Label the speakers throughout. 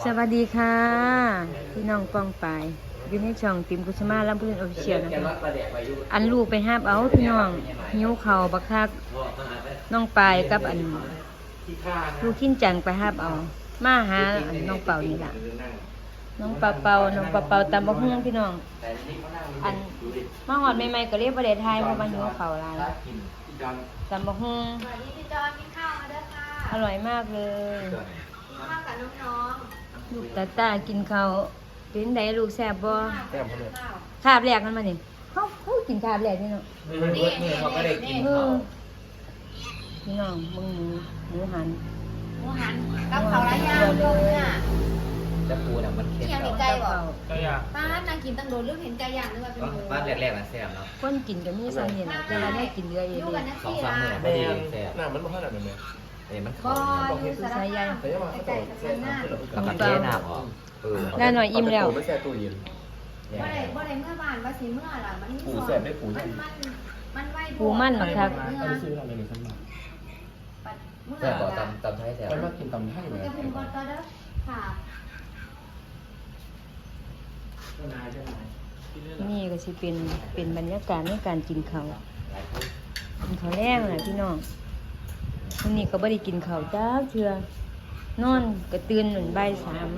Speaker 1: สวัสดีค่ะพี่น้องปองปายอยู่ในช่องติมกุชมาลำพูนออฟฟิเชียลนะคะอันลูกไปห้าบเอาพี่น้องหิวเข่าบักคักน้องปายกับอันลูกขิ้นจังไปห้าบเอามาหาอันน้องเป่านี่แหละน้องเป่าตามบักฮุ้งพี่น้องอันมาหอดใหม่ๆก็เรียกประเดทไทยเพราะมันหิวเข่าหลายตามบักฮุ้ง
Speaker 2: สวัสดีพี่จอนกินข้าวมาเด้อค่ะ
Speaker 1: อร่อยมากเลย
Speaker 2: กินข้าวกับน้อง
Speaker 1: ลูกตากินข้าวเป็นไดลูกแซ่บบ่
Speaker 2: ๆแซ่บเลยข้าว
Speaker 1: คาบแรกมันมานี่เขากินคาบแรกนี่เนาะ
Speaker 2: นี่เขาก็ได้กิน
Speaker 1: พี่น้องมึงหมูหัน
Speaker 2: หมูหันกับข้าวไรย่างต้มเนี่ย
Speaker 3: จะปูน่ะมันเค็ม
Speaker 2: ยัง
Speaker 3: แล้
Speaker 2: มี
Speaker 3: ว
Speaker 2: ไก่บ่
Speaker 4: ก็อยาก
Speaker 2: ป้านางกินตั้งโดนเรื่องเห็นไก่ย่างนึกว่าเป็นหมู
Speaker 3: บ้านแรกๆน่ะแซ่บเนาะ
Speaker 1: คนกินก็มีสันนี่แหละแต่ว่าได้กินเยอะเอง
Speaker 2: ยู่กันนะ
Speaker 3: สอง
Speaker 2: พี่
Speaker 3: สาม
Speaker 2: ล่ะ
Speaker 3: มื้อพอดีแซ่บ
Speaker 4: น้ำมันไม่ค่อยหนักเลย
Speaker 3: มัน
Speaker 2: บ่
Speaker 3: เข้า
Speaker 2: อยู่สารพัดไก่กับสันหน้า
Speaker 3: แล้วก็เทน้ำออก
Speaker 1: น่าหน่อยอิ่มแล้ว
Speaker 4: ไม่แช่ตู้เย็น
Speaker 2: บ่ได้เมื่อบ้านว่าสิเมื่อล่ะมันมี
Speaker 4: ปูแซ่บได้ปู
Speaker 2: มันไว้
Speaker 1: ปูมันบักคัก
Speaker 4: อันนี้ซื้อเราเลยหนึ่งพันบาท
Speaker 2: เมื่อ
Speaker 3: แซ่บบ่
Speaker 2: ล่ะ
Speaker 3: ตำไทยแซ่บ
Speaker 4: มันมากินตำไทย
Speaker 2: คุ
Speaker 4: เลย ย
Speaker 2: กับคุณก่อนต่อเด้อค่ะ
Speaker 1: นี่ก็สิเป็นบรรยากาศในการกินข้าวกินข้าวแรงน่ะพี่น้องวันนี้ก็บ่ได้กินข้าวจ้าเทื่อนอนก็ตื่นหนุนบ่ายสาม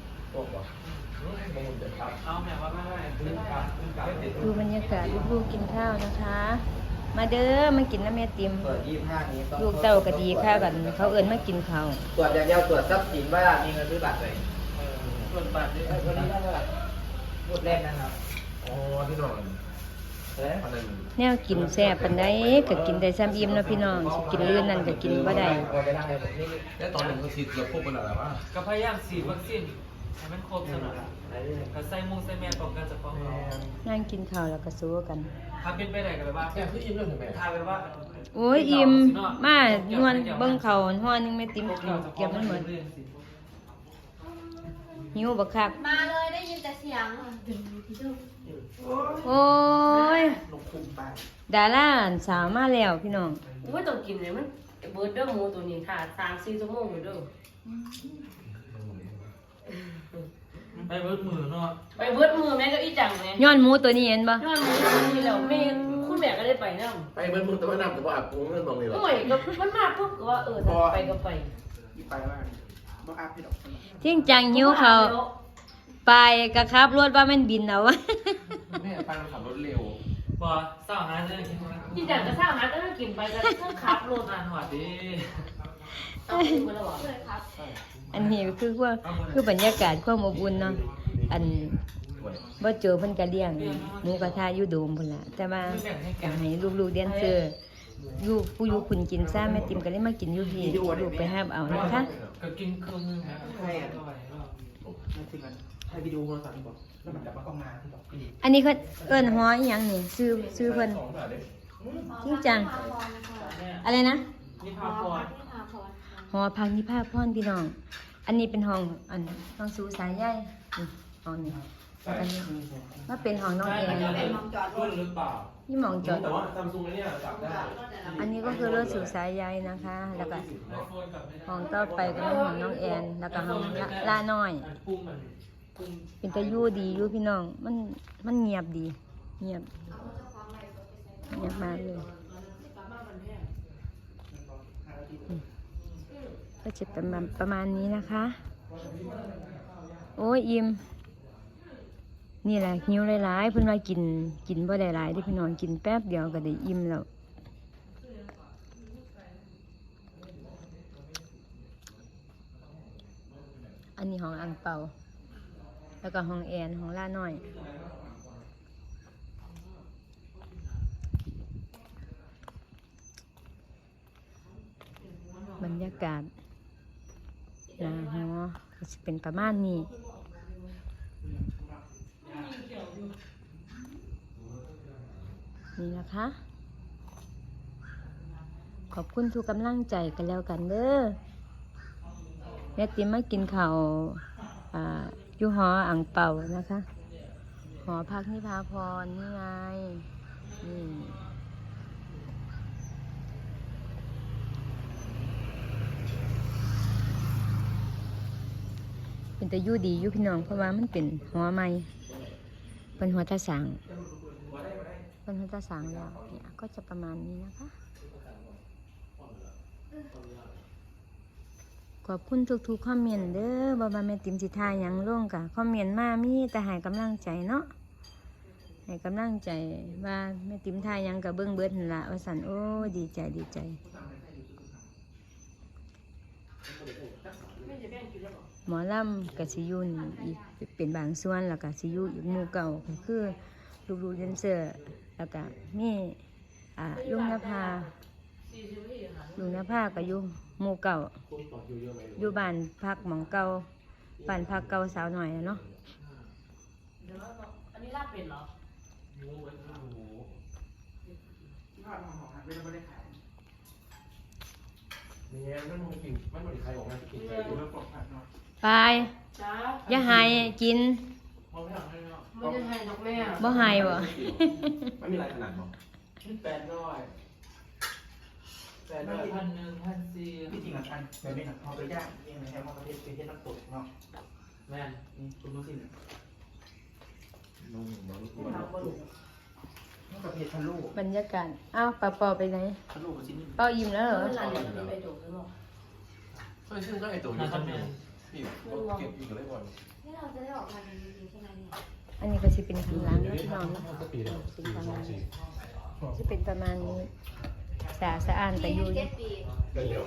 Speaker 1: ดูบรรยากาศลูกๆกินข้าวนะคะ มาเด้อมากินน้ำแม่ติม
Speaker 3: เปิด25นี้ต้อง
Speaker 1: ลูกเต้าก็ดีข้าวกันเขาเอิ้นมากินข้าว
Speaker 3: ตรวจอย่างเดียวตรวจทรัพย์สินว่ามีเงินซื้อบัตรไหม
Speaker 4: ส่วนบาทนี่
Speaker 3: วันนี้เท่าไหร่พูดแรกนะครับ
Speaker 4: อ๋อที่นอน
Speaker 3: เอ๊ะ
Speaker 4: อันนั้น
Speaker 1: แนวกินแซ่บปานใดก็กินได้ซ้ำอิ่มเนาะพี่น้องสิกินเลื่อนนั่นก็กินบ่ได้
Speaker 3: พอไปนั่งในผมนี่
Speaker 4: แล้วตอนหนึ่งเขาฉีดเราพบกันหรอวะ
Speaker 5: ก็พยายามฉีดวัคซีนให้มันครบสนองก็ใส่มุงใส่แมสป้องกันจากป้องเรา
Speaker 1: นั่งกินข้าวแล้วก็สู้กัน
Speaker 5: ถ้าเป็นไปได้ก็แบบว่า
Speaker 4: แค่คืออิ่มเลยใช่ไหม
Speaker 5: ถ้าแบบว่า
Speaker 1: โอ้ยอิ่มมานวลเบิ่งข้าวฮ้อนนึงแม่ติมกินเก็บมันหมดหิวบักคัก
Speaker 2: มาเลยได้ยินแต่เสียง
Speaker 1: โอ้ยดาราสาวมาแล้วพี่น้อง
Speaker 6: ไม่ต้องกินเลยมันเบิร์ดเด้อหมูตัวนี้ค่ะ3-4 ชั่วโมงอยู่เด้อ
Speaker 5: ไปเบิดมือเนาะ
Speaker 6: ไปเบิร์ดมือแม่ก็อีจังแม่
Speaker 1: ย้อนหมูตัวนี้เห็นบ่
Speaker 6: ย้อนหมูตัวนี้แล้วแม่คุณแม่ก็ได้ไปนำ
Speaker 4: ไปเบิ้ลมึงแต่ว่าน้ำแต่ว่าอาบกูเงินมองนี่หรอ
Speaker 6: โอ้ยก็มันมาปุ๊บก็ว่าถ้าไปก็ไป
Speaker 1: จริงจังหิวข้าวไปก็ขับรถว่ามันบินเอา
Speaker 4: แม่ไปมันขับรถเร็ว
Speaker 5: บ่เศร้าหาเรื่องกินนะ
Speaker 6: อีจังก็สร้างหาก็กินไปก็ต้องขับรถ
Speaker 5: อ่านหัวดี
Speaker 6: เอาไปแล้วบ่
Speaker 2: เลยครับ
Speaker 1: อันนี้ก็คือบรรยากาศความอบอุ่นเนาะอันบ่เจอเพิ่นก็เลี้ยงหมูกระทะอยู่โดมพุ่นล่ะแต่ว่าก็ให้ลูกๆเรียนเจออยู่ผู้อยู่คุณกินซ่าแม่ติมก็เลยมากินอยู่พี่ลูกไปหาบเอานะคะ
Speaker 5: ก็กินครึ่งนึงนะใช่อ่ะ
Speaker 4: ให้วิดีโอโทรศัพท์บอกแล้วมันจะมาก็มาที่บอกพี่
Speaker 1: อันนี้เขาเอิ้นฮ้ออีหยังนี่ซื้อเพิ่นจริงจังอะไรนะ
Speaker 5: นี่พาพร
Speaker 1: หอพักนิพาพรพี่น้อง อันนี้เป็นห้องห้องสูสายใยนี่ห้องนี้แล้วก็นี่มาเป็นห้องน้องเอง
Speaker 5: รุ่นหรือเปล่า
Speaker 1: นี่หมองจอด
Speaker 4: แต่ว่าซัมซุงเนี่ยจับได้
Speaker 1: อันนี้ก็คือรถสูสายใยนะคะ แล้วก็
Speaker 5: ไอโฟนกับไม่ได้
Speaker 1: ห้องต่อไปก็เป็นห้องน้องแอน แล้วก็ห้องล่าน้อย
Speaker 5: ปุ่มมันปุ่ม
Speaker 1: เป็นตะยู่ดีอยู่พี่น้อง มันเงียบดี เงียบมากเลยก็จะประมาณนี้นะคะ โอ้ยอิ่มนี่แหละหิวหลายๆเพิ่นว่ากินบ่ได้หลายที่พี่น้องกินแป๊บเดียวก็ได้อิ่มแล้วอันนี้ห้องอังเปาแล้วก็ห้องแอนห้องล่าน้อยบรรยากาศนะฮะก็จะเป็นประมาณนี้นี่นะคะ ขอบคุณทุกกำลังใจกันแล้วกันเด้อแม่ติมมากินข้าวอยู่หออ่างเป่านะคะ หอพักนิพาพรนี่ไงนี่เป็นแต่อยู่ดีอยู่พี่น้องเพราะว่ามันเป็นหัวใหม่เป็นหัวตาสางเป็นหัวตาสางแล้วเนี่ยก็จะประมาณนี้นะคะขอบคุณทุกๆคอมเมนต์เด้อบ่ว่าแม่ติ๋มสิทายหยังลงกะคอมเมนต์มามีแต่ให้กำลังใจเนาะให้กำลังใจว่าแม่ติ๋มทายหยังกะเบิ่งเบิดนั่นล่ะว่าซั่นโอ้ดีใจดีใจหมอลำกับสิอยูนอีกเป็นบางส่วนแล้วก็สิอยูอีกหมู่เก่าก็คือลูกๆแดนเซอร์แล้วก็มีลุงนภาก็อยู่หมู่เก่าอยู่บ้านพักหมองเก่าบ้านพักเก่าสาวหน่อยเนาะ
Speaker 6: เดี๋ยวอันนี้ลาบเป็ดเหรอ
Speaker 4: เนี่ยมันไม่กินมันไม่ได้ใครออกมากินใครดูแล้วปลอดภัยเนาะ
Speaker 1: ไป
Speaker 6: จ้า
Speaker 1: อย่าหายกิน
Speaker 5: มองไม่ออกเลยเนาะ
Speaker 6: มันจะให้ดอกแม่
Speaker 1: บ่หายบ่
Speaker 4: ไม่มีอะไรขนาดหรอก
Speaker 5: นี่800 1,400
Speaker 4: ที่จริงอ่ะอันเดี๋ยวนี้เอาไปย่างเองนะครับประเทศน้ำตกเนาะ
Speaker 5: แม่นนี่คุณรู้สิเนี่ย
Speaker 4: นุ่มมัน
Speaker 3: นี่ประเภททะลุ
Speaker 1: บรรยากาศอ้าวปอไปไหน
Speaker 4: ทะลุกับชิ้นนี้
Speaker 1: เป้าอิ่มแล้วเหรอ
Speaker 6: เมื่อไหร่จะไปดูกันหรอ
Speaker 4: เฮ้ยซึ่งก็ไอตัวนี้ก็มีนี่เก็บอยู่เลยบอล
Speaker 2: นี่เราจะได้ออกมาจริงๆใช่ไหมเนี่ย
Speaker 1: อันนี้ก็สิเป็นข้างหล่างนะพี่น้องนะเป็นข้างหล่างจะเป็นประมาณนี้สะอาดแต่อยู่
Speaker 2: เจ็ดปี
Speaker 4: เร็ว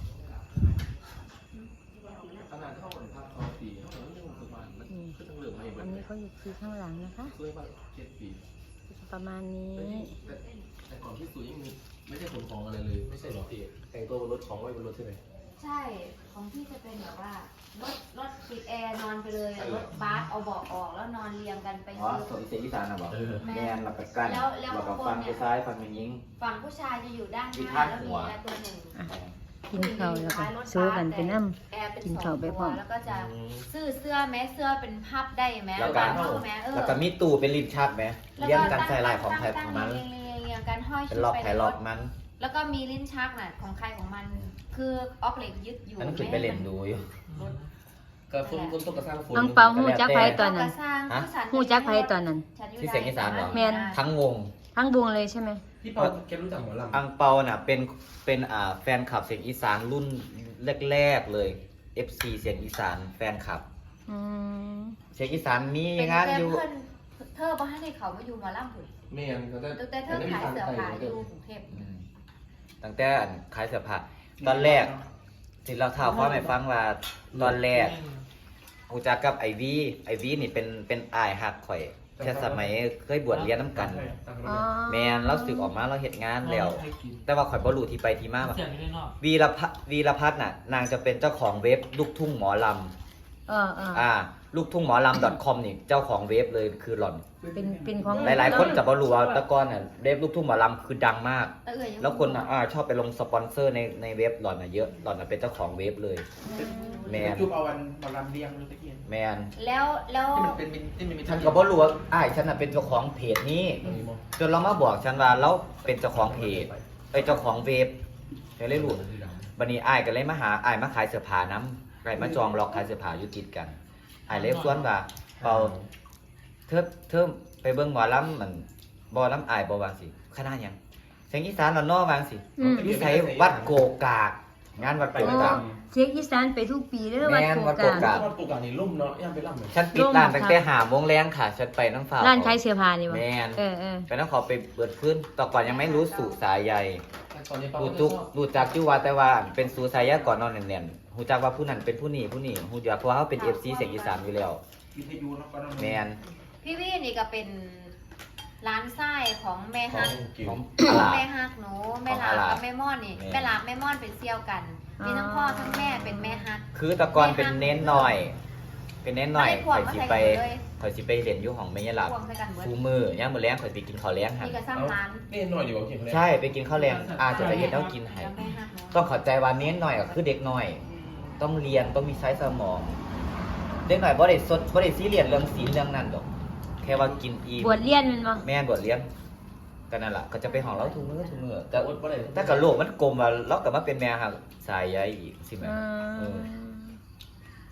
Speaker 4: ขนาดเท่ากับภาพเขาปีเท่านั้นยังประมาณมันก็ต้องเหลือมาอีกแบ
Speaker 1: อั
Speaker 4: บ
Speaker 1: นนี้เขาอยู่คือข้างหลังนะคะ
Speaker 4: ช่วยมา7 ปี
Speaker 1: ประมาณนี้
Speaker 4: แต่ก่อนที่สุดยังไม่ใช่ขนของอะไรเลยไม่ใช่หรอพี่แต่งตัวบนรถของไว้บนรถใช่ไหม
Speaker 2: ใช่ของพี่จะเป็นแบบว่ารถติดแอร์นอนไปเลยรถบัสเอาเบาะออกแล้วนอนเรียงกันไป
Speaker 3: อ๋อสวนเสียงอีสานนะบอก
Speaker 2: แม่
Speaker 3: แมนหลับกับกัน
Speaker 2: แล้ว
Speaker 3: หลับกับฟังไปซ้ายฟังไปยิง
Speaker 2: ฝั่งผู้ชายจะอยู่ด้านห
Speaker 3: มี
Speaker 2: น้า
Speaker 3: ทาส
Speaker 2: แล้วมี
Speaker 3: หัว
Speaker 2: แอร์ตัวหนึ่ง
Speaker 1: กินข้าวแล้วก็โซกันไปน้
Speaker 2: แอร์เป็น
Speaker 1: กิน
Speaker 2: สอ
Speaker 1: ข้าว
Speaker 2: ง
Speaker 1: ไป
Speaker 2: ตั
Speaker 1: พร้อ
Speaker 2: ว
Speaker 1: ม
Speaker 2: แล้วก็จะซื้อเสื้อแม้เสื้อเป็นพับได้ไหม
Speaker 3: แล้วก็
Speaker 2: เข้าไหม
Speaker 3: แล้วก็มีตู้เป็นลิ้นชักไหมเลี้ยงกันใส่ลายของใครของมัน
Speaker 2: เรียงกันห้อย
Speaker 3: เป็น
Speaker 2: ชุด
Speaker 3: ล็อก
Speaker 2: ไป
Speaker 3: ไผ
Speaker 2: ในร
Speaker 3: ล็อก
Speaker 2: ถ
Speaker 3: มัน
Speaker 2: แล้วก็มีลิ้นชักน่ะของใครของมัน คือออกเหล็กยึดอยู่
Speaker 3: อันนั้นขึ้นไปเล่นดูอยู่
Speaker 4: กระฟุ้นต้นกระสร้างฝุ่น
Speaker 1: ำน้องเปาหูจักไผตอนนั้น
Speaker 2: สร้าง
Speaker 3: ฮะ
Speaker 2: ผู้ฉัน
Speaker 1: หูจักไผตอนนั้น
Speaker 2: ฉัอยู่
Speaker 3: ที่เสียงอีสานเหรอ
Speaker 1: แม่น
Speaker 3: ทั้งวง
Speaker 1: ทั้งวงเลยใช่ไหม
Speaker 4: พี่เปาแกรู้จักหมอลำ
Speaker 3: อังเปาน่ะเป็นแฟนคลับเสียงอีสานรุ่นแรกๆเลย FC เสียงอีสานแฟนคลับ
Speaker 1: อืม
Speaker 3: เสียงอีสานมี
Speaker 2: เป็น
Speaker 3: งาน
Speaker 2: แต่
Speaker 3: อยู่
Speaker 2: เพื่อนเธอบ้านให้เขามาอยู่หมาล่ำผุน
Speaker 4: เมียนเขาจะ
Speaker 2: ตั้งแต่เธอขายเสื้อผ้าอยู่กรุงเทพ
Speaker 3: อืมตั้งแต่ขายเสื้อผ้าตอนแรกที่เราถ่าวความให้ฟังว่าตอนแรกกูจักกับไอวีนี่เป็นอ้ายฮักข่อยแค่สมัยเคยบวชเรียนน้ำกัน
Speaker 1: อ๋อ
Speaker 3: แมนเราสึกออกมาเราเฮ็ดงานแล้ว แต่ว่าข่อยบ่รู้ที่ไปที่มาว่า
Speaker 5: เสียงอยู่ในนอก
Speaker 3: วีรพัฒน์น่ะนางจะเป็นเจ้าของเว็บลูกทุ่งหมอล ลูกทุ่งหมอลำ .com นี่เจ้าของเว็บเลยคือหล่อน
Speaker 1: เป็นของ
Speaker 3: หลายๆคนจะบ่รู้ว่าแตะกอนน่ะเว็บลูกทุ่งหมอลำคือดังมาก
Speaker 2: แต่เอ่ยยัง
Speaker 3: แล้วคนอ่ะชอบไปลงสปอนเซอร์ในเว็บหล่อนน่ะเยอะหล่อนน่ะเป็นเจ้าของเว็บเลย แมน
Speaker 4: จุบเอาวันหมอลำเรียงเลยตะเกียน
Speaker 3: แมน
Speaker 2: แล้ว
Speaker 4: ที่มันเป็นที่มันมี
Speaker 3: ฉันก็บ่รู้ว่าฉันน่ะเป็นเจ้าของเพจนี้ จนเรามาบอกฉันว่าเราเป็นเจ้าของเพจเจ้าของเว็บก็เลยรู้บัดนี้ก็เลยมาหามาขายเสื้อผ้านํมาจองล็อกขายเสื้อผ้าอยู่ติดกันเลยชวนว่าเปาเธอไปเบิ่งหมอลำมันบ่ลำบ่วางสิคณะหยังเสียงอีสานละเนาะวางสิ
Speaker 1: อืม
Speaker 3: นิสัยวัดโกกาก งานวัดโก
Speaker 1: โอ้
Speaker 3: กาก
Speaker 1: เสียงอีสานไปทุกปีเด้อวัด
Speaker 3: แม่น
Speaker 1: โก
Speaker 3: วัดโก
Speaker 1: กาก
Speaker 3: กา
Speaker 4: วัดปลูกอ่ะนี่ลุ่มเนาะย่างไปล่ำเลย
Speaker 3: ฉันปิดร้านตั้งแต่5:00 นแรงค่ะฉันไปน้ำฟ้า
Speaker 1: ร้านขายเสื้อผ้านี่บ่
Speaker 3: แม่น
Speaker 1: เออ
Speaker 3: ไปน้ำขอไปเปิดพื้นต่อก่อนยังไม่รู้สู่สายใย
Speaker 4: ตอนนี้เปา
Speaker 3: รู้จักอยู่ว่าแต่ว่าเป็นสู่สายใยก่อนนอนแน่นๆรู้จักว่าผู้นั้นเป็นผู้นี้รู้จักเพราะว่าเขาเป็น FC เสียงอีสานอยู่แล้ว
Speaker 4: วิทยุเนาะก็ต้อง
Speaker 3: แม่น
Speaker 2: พี่วี่นี่ก็เป็นร้านไส้ของแม่
Speaker 4: ขอ
Speaker 2: ฮั
Speaker 4: ง
Speaker 2: ก
Speaker 4: กิว
Speaker 3: ของ
Speaker 2: แม่ฮักหนูแม่ลา
Speaker 3: ของอาลา
Speaker 2: กับแม่ม่อนนี่
Speaker 3: แม่
Speaker 2: แม่ลาแม่ม่อนเป็นเซี่ยวกัน มีทั้งพ่อทั้งแม่เป็นแม่ฮัก
Speaker 3: คือแตะกอนเป็นเน้นหน่อย เป็นเน้นหน่อย
Speaker 2: ไม่คว
Speaker 3: ข่
Speaker 2: ร
Speaker 3: อยสิ
Speaker 2: มา
Speaker 3: ไป
Speaker 2: ใส่เลย
Speaker 3: ข่อยสิไปเรียนอยู่ของแม่ยายหลับ
Speaker 2: ควงใส่กันเบิด
Speaker 3: ฟูมือย่างมื้อแรงข่อยไปกินข้าวแรงหั่น
Speaker 2: นี่ก็สร้างร้าน
Speaker 4: นี่หน่อยดีกว่ากินเลย
Speaker 3: ใช่ไปกินข้าวแรงจะไปเฮ็ดแล้วกินให้
Speaker 2: แล้วแม่ฮักหนู
Speaker 3: ต้องเข้าใจว่าเน้นหน่อยก็คือเด็กน้อย ต้องเรียนต้องมีใช้สมอง เด็กน้อยบ่ได้ซีเรียสเรื่องศีลเรื่องนั้นดอก แค่ว่ากินอิ่ม
Speaker 1: บวชเรียนแมันบ่
Speaker 3: แม่นบวชเรียนก็นั่นล่ะก็จะไปห้องเราทุกมื้อแต่
Speaker 4: อดบ่ได้
Speaker 3: ถ้ากับโลกมันกลมว่าเราก็มาเป็นแม่หักสายใยอีกสิแม่
Speaker 1: อื
Speaker 3: เอ
Speaker 1: ม
Speaker 3: อ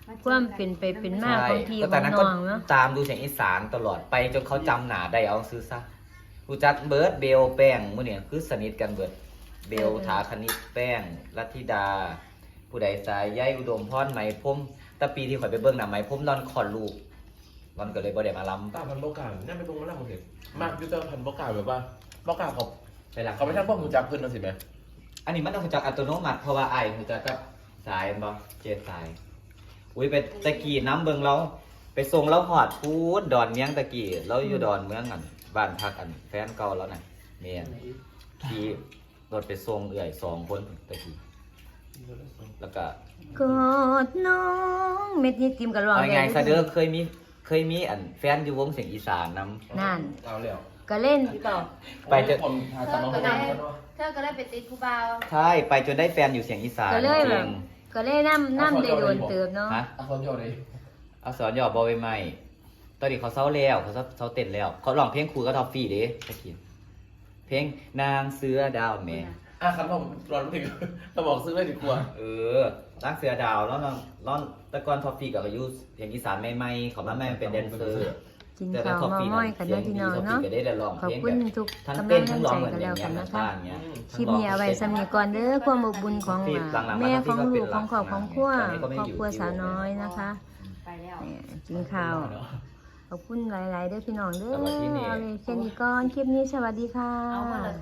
Speaker 1: ความเป็นไปเป็นมาของพี่ข
Speaker 3: แต่
Speaker 1: อง
Speaker 3: นั้น
Speaker 1: น้
Speaker 3: ก็
Speaker 1: องเนาะ
Speaker 3: ตามดูเสียงอีสานตลอดไปจนเขาจำหนาได้เอาซื้อซะรู้จักเบิร์ดเบลแป้งมื้อเนี่ยคือสนิทกันเบิร์ดเบลถาคณิตแป้งลัทธิดา ผู้ใดสายใยอุดมพรไหมพรมแต่ปีที่ข่อยไปเบิ่งน่ะไหมพรมนอนคลอดลูกมันก็เลยบ่ได้มาล้ำ
Speaker 4: ตาพันโบกาเนี่ยไม่ตรงกันแล้วผมเห็นมากยูเตอร์พันโบกาแบบว่าโบกาเขา
Speaker 3: ไปละ
Speaker 4: เขาไม่ทันพวกหูจักเพื่อนนะสิแม่
Speaker 3: อันนี้มันต้องรู้จักอัตโนมัติเพราะว่าไอ้รู้จักกับสายบ่เจดสายอุ้ยไปตะกี้น้ำเบิ่งเราไปส่งเราหอดพูดดอนเมียงตะกี้เราอยู่ดอนเมืองกันบ้านพักกันแฟนเก่าแล้วน่ะเมียนขี่รถไปส่งเอื่อย2 คนตะกี้แล้วก็
Speaker 1: กอดน้องเม็ดนี้ติมกับร้อง
Speaker 3: เอาไงซะเด้อเคยมีอันแฟนอยู่วงเสียงอีสานนำ
Speaker 1: นั่น
Speaker 4: เอาแล้ว
Speaker 1: ก็เล่น
Speaker 6: ต่อ
Speaker 3: ไปจน
Speaker 4: ผมทาตาน้องเขาดังกันว่า
Speaker 2: เธอก็ได้ไปติดผู้บ่าว
Speaker 3: ใช่ไปจนได้แฟนอยู่เสียงอีสาน
Speaker 1: ก็เลย
Speaker 3: จ
Speaker 1: แบ
Speaker 3: ริ
Speaker 1: บ
Speaker 3: ง
Speaker 1: ก็เลยน้ำได้โดนเติบเนาะ
Speaker 3: ฮะ
Speaker 4: เอาคนโยนเลย
Speaker 3: เอาสอนหยอดบอใบไม้ตอนนี้เขาเศร้าแล้วเขาเต้นแล้ว เขาร้องเพลงครูก็ทอฟฟี่เด้ตะกี้เพลงนางเสือดาวแม่
Speaker 4: ครับผมรอนถึงเราบอกซื้อไม่ดีกว่า
Speaker 3: นางเสือดาวแล้วน้องตะกอนทอฟฟี่กับอายุเสียงอีสานใหม่ๆเขามาแม่เป็นแดนเซอร์
Speaker 1: กินข้าวมาม้อยกันเด้อพี่น้องเนาะ
Speaker 3: ก็ได้ร้อง
Speaker 1: ขอบ
Speaker 3: เพลง
Speaker 1: คุณ
Speaker 3: แบบ
Speaker 1: ทุก
Speaker 3: ทั้ง
Speaker 1: กำลั
Speaker 3: เต้
Speaker 1: ง
Speaker 3: นทั้งร้องเหมือน
Speaker 1: ใจกัน
Speaker 3: อ
Speaker 1: แล้
Speaker 3: ย่าว ง
Speaker 1: กัน
Speaker 3: เงี้ย
Speaker 1: นะคะ
Speaker 3: บ้านเงี้ย
Speaker 1: คลิปนี้เอาไว้สำนีก่อนเด้อความอบอุ่นของแม่ของลูกของครอบของครัวครอบครัวสาวน้อยนะคะ
Speaker 2: ไปแล้ว
Speaker 1: เนี่ยกินข้าวขอบคุณหลายๆเด้อพี่น้องเด้อ
Speaker 3: แต่ว่าที่นี่
Speaker 1: เอาเลยแค่นี้ก่อนคลิปนี้สวัสดีค่ะ
Speaker 2: เอามาเลย